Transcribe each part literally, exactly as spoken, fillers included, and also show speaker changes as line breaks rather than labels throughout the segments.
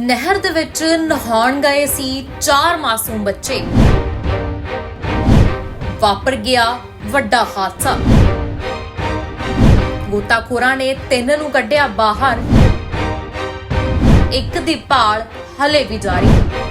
ਨਹਿਰ ਦੇ ਵਿੱਚ ਨਹਾਉਣ ਗਏ ਸੀ ਚਾਰ ਮਾਸੂਮ ਬੱਚੇ। ਵਾਪਰ ਗਿਆ ਵੱਡਾ ਹਾਦਸਾ। ਗੋਤਾਖੋਰਾਂ ਨੇ ਤਿੰਨ ਨੂੰ ਕੱਢਿਆ ਬਾਹਰ। ਇੱਕ ਦੀ ਭਾਲ ਹਲੇ ਵੀ ਜਾਰੀ।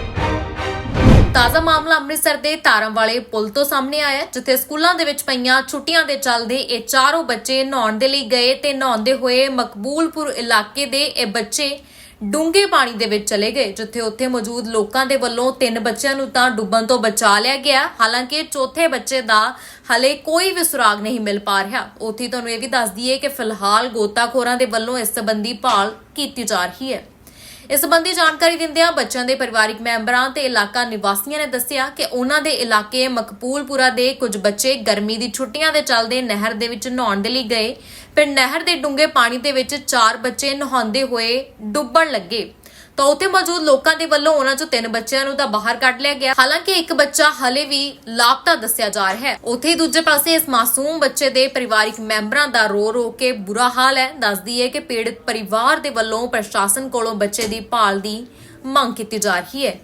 ਤਾਜ਼ਾ ਮਾਮਲਾ ਅੰਮ੍ਰਿਤਸਰ ਦੇ ਤਾਰਾਂ ਵਾਲੇ ਪੁਲ ਤੋਂ ਸਾਹਮਣੇ ਆਇਆ, ਜਿੱਥੇ ਸਕੂਲਾਂ ਦੇ ਵਿੱਚ ਪਈਆਂ ਛੁੱਟੀਆਂ ਦੇ ਚੱਲਦੇ ਇਹ ਚਾਰੋਂ ਬੱਚੇ ਨਹਾਉਣ ਦੇ ਲਈ ਗਏ ਤੇ ਨਹਾਉਂਦੇ ਹੋਏ ਮਕਬੂਲਪੁਰ ਇਲਾਕੇ ਦੇ ਇਹ ਬੱਚੇ ਡੂੰਘੇ ਪਾਣੀ ਦੇ ਵਿੱਚ ਚਲੇ ਗਏ, ਜਿੱਥੇ ਉੱਥੇ ਮੌਜੂਦ ਲੋਕਾਂ ਦੇ ਵੱਲੋਂ ਤਿੰਨ ਬੱਚਿਆਂ ਨੂੰ ਤਾਂ ਡੁੱਬਣ ਤੋਂ ਬਚਾ ਲਿਆ ਗਿਆ। ਹਾਲਾਂਕਿ ਚੌਥੇ ਬੱਚੇ ਦਾ ਹਲੇ ਕੋਈ ਵੀ ਸੁਰਾਗ ਨਹੀਂ ਮਿਲ ਪਾ ਰਿਹਾ। ਉੱਥੇ ਤੁਹਾਨੂੰ ਇਹ ਵੀ ਦੱਸ ਦਈਏ ਕਿ ਫਿਲਹਾਲ ਗੋਤਾਖੋਰਾਂ ਦੇ ਵੱਲੋਂ ਇਸ ਸੰਬੰਧੀ ਭਾਲ ਕੀਤੀ ਜਾ ਰਹੀ ਹੈ। ਇਸ ਸੰਬੰਧੀ ਜਾਣਕਾਰੀ ਦਿੰਦਿਆਂ ਬੱਚਿਆਂ ਦੇ ਪਰਿਵਾਰਕ ਮੈਂਬਰਾਂ ਤੇ ਇਲਾਕਾ ਨਿਵਾਸੀਆਂ ਨੇ ਦੱਸਿਆ ਕਿ ਉਹਨਾਂ ਦੇ ਇਲਾਕੇ ਮਕਬੂਲਪੁਰਾ ਦੇ ਕੁਝ ਬੱਚੇ ਗਰਮੀ ਦੀ ਛੁੱਟੀਆਂ ਦੇ ਚੱਲਦੇ ਨਹਿਰ ਦੇ ਵਿੱਚ ਨਹਾਉਣ ਦੇ ਲਈ ਗਏ। ਫਿਰ ਨਹਿਰ ਦੇ ਡੂੰਘੇ ਪਾਣੀ ਦੇ ਵਿੱਚ ਚਾਰ ਬੱਚੇ ਨਹਾਉਂਦੇ ਹੋਏ ਡੁੱਬਣ ਲੱਗੇ ਤਾਂ ਉੱਥੇ ਮੌਜੂਦ ਲੋਕਾਂ ਦੇ ਵੱਲੋਂ ਉਹਨਾਂ ਚੋਂ ਤਿੰਨ ਬੱਚਿਆਂ ਨੂੰ ਤਾਂ ਬਾਹਰ ਕੱਢ ਲਿਆ ਗਿਆ। ਹਾਲਾਂਕਿ ਇੱਕ ਬੱਚਾ ਹਲੇ ਵੀ ਲਾਪਤਾ ਦੱਸਿਆ ਜਾ ਰਿਹਾ ਹੈ। ਉੱਥੇ ਦੂਜੇ ਪਾਸੇ ਇਸ ਮਾਸੂਮ ਬੱਚੇ ਦੇ ਪਰਿਵਾਰਕ ਮੈਂਬਰਾਂ ਦਾ ਰੋ ਰੋ ਕੇ ਬੁਰਾ ਹਾਲ ਹੈ। ਦੱਸਦੀ ਹੈ ਕਿ ਪੀੜਤ ਪਰਿਵਾਰ ਦੇ ਵੱਲੋਂ ਪ੍ਰਸ਼ਾਸਨ ਕੋਲੋਂ ਬੱਚੇ ਦੀ ਭਾਲ ਦੀ ਮੰਗ ਕੀਤੀ ਜਾ ਰਹੀ ਹੈ।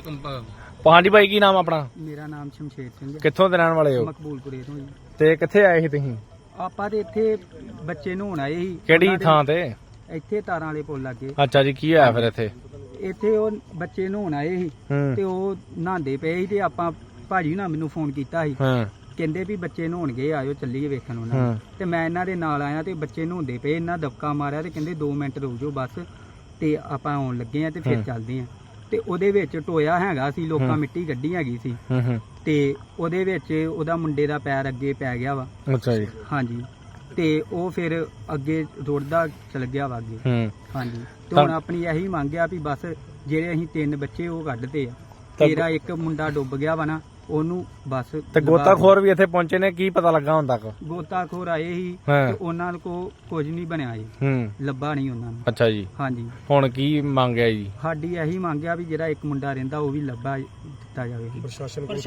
ਹਾਂਜੀ ਭਾਈ, ਕੀ ਨਾਮ ਆਪਣਾ?
ਮੇਰਾ ਨਾਮ ਸ਼ਮਸ਼ੇਰ ਸਿੰਘ ਹੈ।
ਕਿੱਥੋਂ ਦੇ ਰਹਿਣ ਵਾਲੇ ਹੋ?
ਮਕਬੂਲਪੁਰੇ ਤੋਂ ਜੀ।
ਤੇ ਕਿੱਥੇ ਆਏ ਸੀ ਤੁਸੀਂ?
ਆਪਾਂ ਤੇ ਇੱਥੇ ਬੱਚੇ ਨਹਾਉਣ ਆਏ ਸੀ।
ਕਿਹੜੀ ਥਾਂ ਤੇ?
ਇੱਥੇ ਤਾਰਾਂ ਵਾਲੇ ਪੁੱਲ ਲੱਗੇ।
ਅੱਛਾ ਜੀ, ਕੀ ਹੋਇਆ ਫਿਰ ਇੱਥੇ?
ਇੱਥੇ ਉਹ ਬੱਚੇ ਨਹਾਉਣ ਆਏ ਸੀ ਤੇ ਉਹ ਨਹਾਉਂਦੇ ਪਏ ਸੀ ਤੇ ਆਪਾਂ ਭਾਜੀ ਨਾਲ ਮੈਨੂੰ ਫੋਨ ਕੀਤਾ ਸੀ। ਕਹਿੰਦੇ ਵੀ ਬੱਚੇ ਨਹਾਉਣਗੇ, ਆਇਓ ਚੱਲੀਏ ਵੇਖਣ ਉਹਨਾਂ ਤੇ ਮੈਂ ਇਹਨਾਂ ਦੇ ਨਾਲ ਆਇਆ ਤੇ ਬੱਚੇ ਨਹਾਉਂਦੇ ਪਏ। ਇਹਨਾਂ ਦਬਕਾ ਮਾਰਿਆ ਤੇ ਕਹਿੰਦੇ ਦੋ ਮਿੰਟ ਰੁਕ ਜਾਓ ਬਸ, ਤੇ ਆਪਾਂ ਆਉਣ ਲੱਗੇ ਆ ਤੇ ਫਿਰ ਚੱਲਦੇ ਆ। ਤੇ ਉਹਦੇ ਵਿੱਚ ਟੋਇਆ ਹੈਗਾ ਸੀ, ਲੋਕਾਂ ਮਿੱਟੀ ਗੱਡੀ ਹੈਗੀ ਸੀ ਤੇ ਉਹਦੇ ਵਿੱਚ ਉਹਦਾ ਮੁੰਡੇ ਦਾ ਪੈਰ ਅੱਗੇ ਪੈ ਗਿਆ ਵਾ।
ਅੱਛਾ ਜੀ।
ਹਾਂਜੀ, ਤੇ ਉਹ ਫਿਰ ਅੱਗੇ ਰੁੜਦਾ ਚਲ ਗਿਆ ਵਾ ਅੱਗੇ। ਹਾਂਜੀ, ਤੇ ਹੁਣ ਆਪਣੀ ਇਹੀ ਮੰਗ ਆ ਵੀ ਬਸ ਜਿਹੜੇ ਅਸੀਂ ਤਿੰਨ ਬੱਚੇ ਉਹ ਕੱਢਦੇ ਆ, ਤੇਰਾ ਇੱਕ ਮੁੰਡਾ ਡੁੱਬ ਗਿਆ ਵਾ ਨਾ, ਉਹਨੂੰ ਬਸ।
ਤੇ ਗੋਤਾਖੋਰ ਵੀ ਇੱਥੇ ਪਹੁੰਚੇ ਨੇ, ਕੀ ਪਤਾ ਲੱਗਾ ਹੁਣ ਤੱਕ?
ਗੋਤਾਖੋਰ ਆਏ ਸੀ ਤੇ ਉਹਨਾਂ ਕੋ ਕੁਝ ਨਹੀਂ ਬਣਿਆ ਜੀ, ਲੱਭਾ ਨਹੀਂ ਉਹਨਾਂ ਨੂੰ।
ਅੱਛਾ ਜੀ।
ਹਾਂਜੀ,
ਹੁਣ ਕੀ ਮੰਗਿਆ ਜੀ?
ਸਾਡੀ ਇਹੀ ਮੰਗ ਆ ਵੀ ਜਿਹੜਾ ਇੱਕ ਮੁੰਡਾ ਰਹਿੰਦਾ ਉਹ ਵੀ ਲੱਭਾ ਦਿੱਤਾ ਜਾਵੇ।
ਪ੍ਰਸ਼ਾਸਨ ਕੋਲ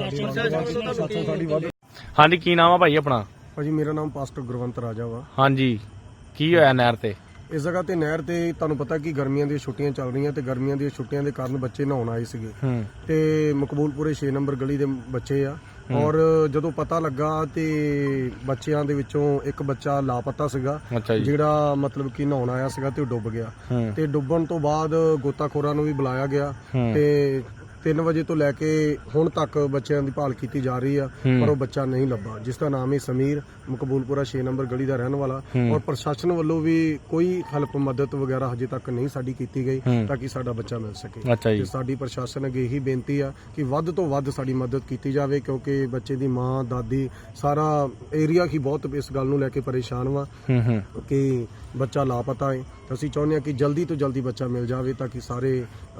ਹਾਂਜੀ, ਕੀ ਨਾਮ ਆ ਭਾਈ ਆਪਣਾ?
ਭਾਜੀ ਮੇਰਾ ਨਾਮ ਪਾਸਟਰ ਗੁਰਵੰਤ ਰਾਜਾ ਵਾ।
ਹਾਂਜੀ, ਕੀ ਹੋਇਆ ਨਹਿਰ ਤੇ?
ਇਸ ਜਗ੍ਹਾ ਤੇ ਨਹਿਰ ਤੇ ਤੁਹਾਨੂੰ ਪਤਾ ਕਿ ਗਰਮੀਆਂ ਦੀਆਂ ਛੁੱਟੀਆਂ ਚੱਲ ਰਹੀਆਂ ਤੇ ਗਰਮੀਆਂ ਦੀਆਂ ਛੁੱਟੀਆਂ ਦੇ ਕਾਰਨ ਬੱਚੇ ਨਹਾਉਣ ਆਏ ਸੀਗੇ ਤੇ ਮਕਬੂਲਪੁਰੇ ਛੇ ਨੰਬਰ ਗਲੀ ਦੇ ਬੱਚੇ ਆ। ਔਰ ਜਦੋਂ ਪਤਾ ਲੱਗਾ ਤੇ ਬੱਚਿਆਂ ਦੇ ਵਿੱਚੋਂ ਇੱਕ ਬੱਚਾ ਲਾਪਤਾ ਸੀਗਾ, ਜਿਹੜਾ ਮਤਲਬ ਕਿ ਨਹਾਉਣ ਆਇਆ ਸੀਗਾ ਤੇ ਉਹ ਡੁੱਬ ਗਿਆ। ਤੇ ਡੁੱਬਣ ਤੋਂ ਬਾਅਦ ਗੋਤਾਖੋਰਾਂ ਨੂੰ ਵੀ ਬੁਲਾਇਆ ਗਿਆ ਤੇ ਤਿੰਨ ਵਜੇ ਤੋਂ ਲੈ ਕੇ ਹੁਣ ਤੱਕ ਬੱਚਿਆਂ ਦੀ ਭਾਲ ਕੀਤੀ ਜਾ ਰਹੀ ਆ, ਪਰ ਉਹ ਬੱਚਾ ਨਹੀਂ ਲੱਭਾ, ਜਿਸ ਦਾ ਨਾਮ ਹੈ ਸਮੀਰ, ਮਕਬੂਲਪੁਰਾ ਛੇ ਨੰਬਰ ਗਲੀ ਦਾ ਰਹਿਣ ਵਾਲਾ। ਔਰ ਪ੍ਰਸ਼ਾਸਨ ਵੱਲੋਂ ਵੀ ਕੋਈ ਹੈਲਪ ਮਦਦ ਵਗੈਰਾ ਹਜੇ ਤੱਕ ਨਹੀਂ ਸਾਡੀ ਕੀਤੀ ਗਈ ਤਾਂ ਕਿ ਸਾਡਾ ਬੱਚਾ ਮਿਲ ਸਕੇ। ਤੇ ਸਾਡੀ ਪ੍ਰਸ਼ਾਸਨ ਅੱਗੇ ਇਹੀ ਬੇਨਤੀ ਆ ਕਿ ਵੱਧ ਤੋਂ ਵੱਧ ਸਾਡੀ ਮਦਦ ਕੀਤੀ ਜਾਵੇ, ਕਿਉਂਕਿ ਬੱਚੇ ਦੀ ਮਾਂ, ਦਾਦੀ, ਸਾਰਾ ਏਰੀਆ ਹੀ ਬਹੁਤ ਇਸ ਗੱਲ ਨੂੰ ਲੈ ਕੇ ਪਰੇਸ਼ਾਨ ਵਾ ਕਿ ਬੱਚਾ ਲਾਪਤਾ ਹੈ। ਅਸੀਂ ਚਾਹੁੰਦੇ ਹਾਂ ਕਿ ਜਲਦੀ ਤੋਂ ਜਲਦੀ ਬੱਚਾ ਮਿਲ ਜਾਵੇ ਤਾਂ ਕਿ ਸਾਰੇ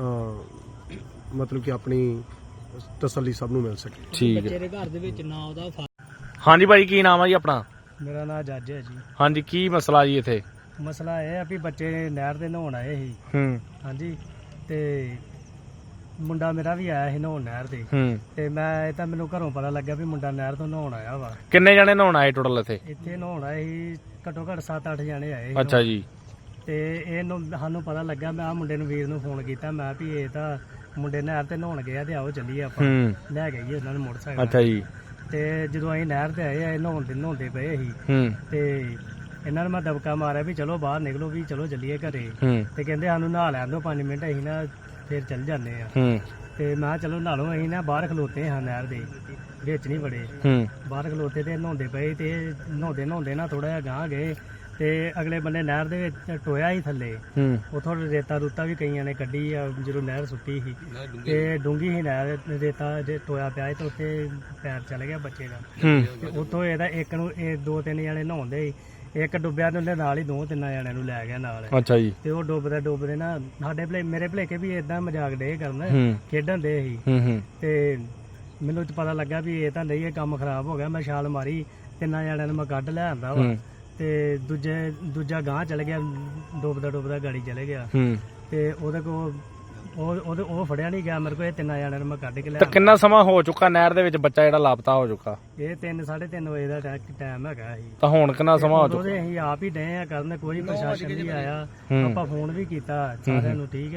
ਮਤਲਬ ਕਿ ਆਪਣੀ ਤਸੱਲੀ ਸਭ ਨੂੰ ਮਿਲ ਸਕੇ।
ਠੀਕ ਹੈ।
ਬੱਚੇ ਦੇ ਘਰ ਦੇ ਵਿੱਚ ਨਾ ਉਹਦਾ।
ਹਾਂਜੀ ਭਾਈ, ਕੀ ਨਾਮ ਆ ਜੀ ਆਪਣਾ?
ਮੇਰਾ ਨਾਮ ਜੱਜ ਹੈ ਜੀ।
ਹਾਂਜੀ, ਕੀ ਮਸਲਾ ਜੀ ਇੱਥੇ?
ਮਸਲਾ ਇਹ ਆ ਵੀ ਬੱਚੇ ਨਹਿਰ ਤੇ ਨਹਾਉਣ ਆਏ ਸੀ।
ਹੂੰ।
ਹਾਂਜੀ, ਤੇ ਮੁੰਡਾ ਮੇਰਾ ਵੀ ਆਇਆ ਸੀ ਨਹਾਉਣ ਨਹਿਰ ਤੇ।
ਹੂੰ।
ਤੇ ਮੈਂ ਇਹ ਤਾਂ ਮੈਨੂੰ ਘਰੋਂ ਪਤਾ ਲੱਗਿਆ ਵੀ ਮੁੰਡਾ ਨਹਿਰ ਤੋਂ ਨਹਾਉਣ ਆਇਆ ਵਾ।
ਕਿੰਨੇ ਜਣੇ ਨਹਾਉਣ ਆਏ ਟੋਟਲ ਇੱਥੇ?
ਇੱਥੇ ਨਹਾਉਣ ਆਏ ਸੀ ਘੱਟੋ ਘੱਟ ਸੱਤ ਅੱਠ ਜਣੇ ਆਏ ਸੀ।
ਅੱਛਾ ਜੀ।
ਤੇ ਇਹਨੂੰ ਸਾਨੂੰ ਪਤਾ ਲੱਗਾ, ਮੈਂ ਆ ਮੁੰਡੇ ਨੂੰ, ਵੀਰ ਨੂੰ ਫੋਨ ਕੀਤਾ, ਮੈਂ ਵੀ ਇਹ ਤਾਂ ਮੁੰਡੇ ਨਹਿਰ ਤੇ ਨਹਾਉਣ ਗਏ ਆ ਤੇ ਆਓ ਚੱਲੀਏ ਆਪਾਂ ਲੈ ਕੇ ਗਏ ਉਹਨਾਂ ਨੂੰ ਮੋਟਰਸਾਈਕਲ।
ਅੱਛਾ ਜੀ।
ਤੇ ਜਦੋਂ ਅਸੀਂ ਨਹਿਰ ਤੇ ਆਏ ਆ, ਨਹਾਉਣ ਦੇ ਨਹਾਉਂਦੇ ਪਏ ਸੀ ਤੇ ਇਹਨਾਂ ਨੂੰ ਮੈਂ ਦਬਕਾ ਮਾਰਿਆ ਵੀ ਚਲੋ ਬਾਹਰ ਨਿਕਲੋ, ਵੀ ਚਲੋ ਚੱਲੀਏ ਘਰੇ। ਤੇ ਕਹਿੰਦੇ ਸਾਨੂੰ ਨਹਾ ਲੈਣ ਦਿਓ ਪੰਜ ਮਿੰਟ, ਅਸੀਂ ਨਾ ਫਿਰ ਚੱਲ ਜਾਂਦੇ ਆ। ਤੇ ਮੈਂ ਕਿਹਾ ਚਲੋ ਨਹਾ ਲਓ। ਅਸੀਂ ਨਾ ਬਾਹਰ ਖਲੋਤੇ ਹਾਂ ਨਹਿਰ ਦੇ ਵਿੱਚ, ਨਹੀਂ ਵੜੇ, ਬਾਹਰ ਖਲੋਤੇ ਤੇ ਨਹਾਉਂਦੇ ਪਏ। ਤੇ ਨਹਾਉਂਦੇ ਨਹਾਉਂਦੇ ਨਾ ਥੋੜਾ ਜਿਹਾ ਗਾਂਹ ਗਏ ਤੇ ਅਗਲੇ ਬੰਨੇ ਨਹਿਰ ਦੇ ਵਿੱਚ ਟੋਇਆ ਹੀ ਥੱਲੇ, ਉਥੋਂ ਰੇਤਾ ਰੂਤਾ ਵੀ ਕਈਆਂ ਨੇ ਕੱਢੀ ਆ ਜਦੋਂ ਨਹਿਰ ਸੁੱਟੀ ਸੀ। ਤੇ ਡੂੰਗੀ ਸੀ ਨਹਿਰ, ਰੇਤਾ ਜੇ ਟੋਇਆ ਪਿਆ ਤੇ ਉੱਥੇ ਪੈਰ ਚਲ ਗਿਆ ਬੱਚੇ ਦਾ। ਤੇ ਉੱਥੋਂ ਇਹਦਾ ਇੱਕ ਨੂੰ ਇਹ ਦੋ ਤਿੰਨ ਜਣੇ ਨਹਾਉਂਦੇ, ਇੱਕ ਡੁੱਬਿਆ ਤੇ ਉਹਦੇ ਨਾਲ ਹੀ ਦੋ ਤਿੰਨ ਜਣਿਆਂ ਨੂੰ ਲੈ ਗਿਆ ਨਾਲ।
ਅੱਛਾ ਜੀ।
ਤੇ ਉਹ ਡੁੱਬਦੇ ਡੁੱਬਦੇ ਨਾ ਸਾਡੇ ਭਲੇ ਮੇਰੇ ਭਲੇਕੇ ਵੀ ਏਦਾਂ ਮਜ਼ਾਕ ਡੇ ਕਰਨ, ਖੇਡਣ ਦੇ ਸੀ। ਤੇ ਮੈਨੂੰ ਪਤਾ ਲੱਗਾ ਵੀ ਇਹ ਤਾਂ ਨਹੀਂ, ਇਹ ਕੰਮ ਖਰਾਬ ਹੋ ਗਿਆ। ਮੈਂ ਛਾਲ ਮਾਰੀ, ਤਿੰਨਾਂ ਜਣਿਆਂ ਨੂੰ ਮੈਂ ਕੱਢ ਲੈ ਆਂਦਾ ਵਾ। ਤੇ ਦੂਜੇ ਦੂਜਾ ਗਾਂਹ ਚਲ ਗਿਆ, ਡੁੱਬਦਾ ਡੁੱਬਦਾ ਗਾੜੀ ਚਲੇ ਗਿਆ। ਤੇ ਉਹਦੇ ਕੋਲ ਉਹ ਉਹ ਫੜਿਆ ਨਹੀਂ ਗਿਆ ਮੇਰੇ ਕੋਲ। ਇਹ ਤਿੰਨਾਂ ਜਣਿਆਂ ਨੂੰ ਮੈਂ ਕੱਢ ਕੇ ਲਿਆ।
ਕਿੰਨਾ ਸਮਾਂ ਹੋ ਚੁੱਕਾ ਨਹਿਰ ਦੇ ਵਿੱਚ ਬੱਚਾ ਜਿਹੜਾ ਲਾਪਤਾ ਹੋ ਚੁੱਕਾ?
ਇਹ ਤਿੰਨ ਸਾਢੇ ਤਿੰਨ ਵਜੇ ਦਾ ਟਾਈਮ ਹੈਗਾ ਸੀ।
ਤਾਂ ਹੁਣ ਕਿੰਨਾ ਸਮਾਂ ਹੋ ਚੁੱਕਾ?
ਅਸੀਂ ਆਪ ਹੀ ਡਏ ਆ ਕਰਨ, ਕੋਈ ਪ੍ਰਸ਼ਾਸਨ ਨਹੀਂ ਆਇਆ। ਆਪਾਂ ਫੋਨ ਵੀ ਕੀਤਾ ਸਾਰਿਆਂ ਨੂੰ, ਠੀਕ ਆ,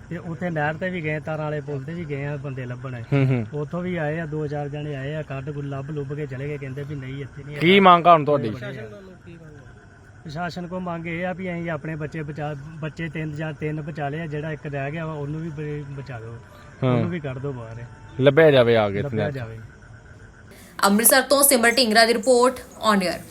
ਤੇ ਉੱਥੇ ਨਹਿਰ ਤੇ ਵੀ ਗਏ, ਤਾਰਾਂ ਵਾਲੇ ਪੁਲ ਤੇ ਵੀ ਗਏ ਆ ਬੰਦੇ ਲੱਭਣ।
ਹੂੰ ਹੂੰ
ਉੱਥੋਂ ਵੀ ਆਏ ਆ, ਦੋ ਚਾਰ ਜਣੇ ਆਏ ਆ, ਕੱਢ ਗੁੱਲ ਲੱਭ ਲੁੱਭ ਕੇ ਚਲੇ ਗਏ, ਕਹਿੰਦੇ ਵੀ ਨਹੀਂ ਇੱਥੇ ਨਹੀਂ
ਕੀ ਮੰਗ ਆ ਹੁਣ ਤੁਹਾਡੀ?
ਪ੍ਰਸ਼ਾਸਨ ਕੋ ਮੰਗ ਇਹ ਆ ਵੀ ਅਸੀਂ ਆਪਣੇ ਬੱਚੇ ਬਚਾ ਬੱਚੇ ਤਿੰਨ ਜਾਂ ਤਿੰਨ ਬਚਾ ਲਏ ਆ, ਜਿਹੜਾ ਇੱਕ ਰਹਿ ਗਿਆ ਵਾ ਉਹਨੂੰ ਵੀ ਬ- ਬਚਾ ਦਿਓ, ਉਹਨੂੰ ਵੀ ਕੱਢ ਦਿਓ ਬਾਹਰ,
ਲੱਭਿਆ ਜਾਵੇ ਆ ਕੇ
ਲੱਭਿਆ ਜਾਵੇ।
ਅੰਮ੍ਰਿਤਸਰ ਤੋਂ ਸਿਮਰ ਢਿੰਗਰਾ ਦੀ ਰਿਪੋਰਟ ਔਨ 에ਅਰ।